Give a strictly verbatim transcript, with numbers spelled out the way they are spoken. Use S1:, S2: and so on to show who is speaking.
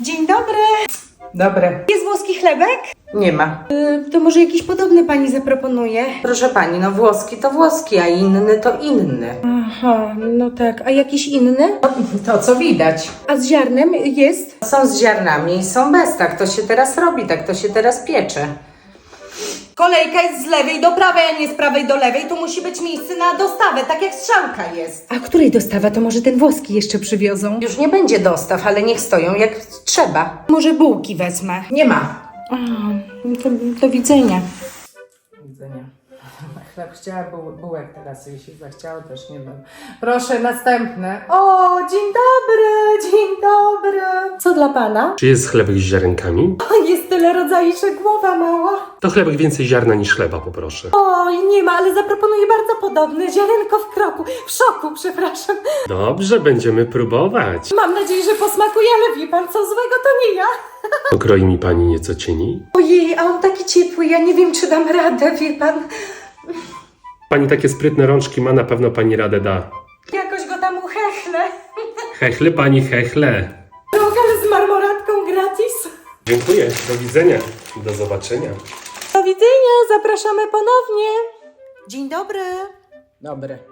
S1: Dzień dobry.
S2: Dobre.
S1: Jest włoski chlebek?
S2: Nie ma.
S1: Yy, to może jakiś podobny pani zaproponuje?
S2: Proszę pani, no włoski to włoski, a inny to inny.
S1: Aha, no tak. A jakiś inny?
S2: To co widać.
S1: A z ziarnem jest?
S2: Są z ziarnami i są bez. Tak to się teraz robi, tak to się teraz piecze.
S1: Kolejka jest z lewej do prawej, a nie z prawej do lewej. Tu musi być miejsce na dostawę, tak jak strzałka jest. A której dostawa? To może ten włoski jeszcze przywiozą?
S2: Już nie będzie dostaw, ale niech stoją jak trzeba.
S1: Może bułki wezmę.
S2: Nie ma.
S1: A, to, do widzenia.
S2: Do widzenia. Chleb chciała, buł, bułek teraz jej się zachciało, też nie mam. Proszę, następne. O, dzień dobry, dzień dobry.
S1: Co dla pana?
S3: Czy jest chlebek z ziarenkami?
S1: Jest tyle rodzajów, że głowa mała.
S3: To chlebek więcej ziarna niż chleba, poproszę.
S1: Oj, nie ma, ale zaproponuję bardzo podobny. Ziarenko w kroku. W szoku, przepraszam.
S3: Dobrze, będziemy próbować.
S1: Mam nadzieję, że posmakuje, ale wie pan, co złego to nie ja.
S3: Pokroi mi pani nieco cieni?
S2: Ojej, a on taki ciepły, ja nie wiem, czy dam radę, wie pan.
S3: Pani takie sprytne rączki ma, na pewno pani radę da.
S1: Jakoś go tam uchechlę.
S3: Hechle, pani hechle.
S1: Trochę z marmoratką gratis.
S3: Dziękuję, do widzenia, do zobaczenia.
S1: Do widzenia, zapraszamy ponownie. Dzień dobry.
S2: Dobre.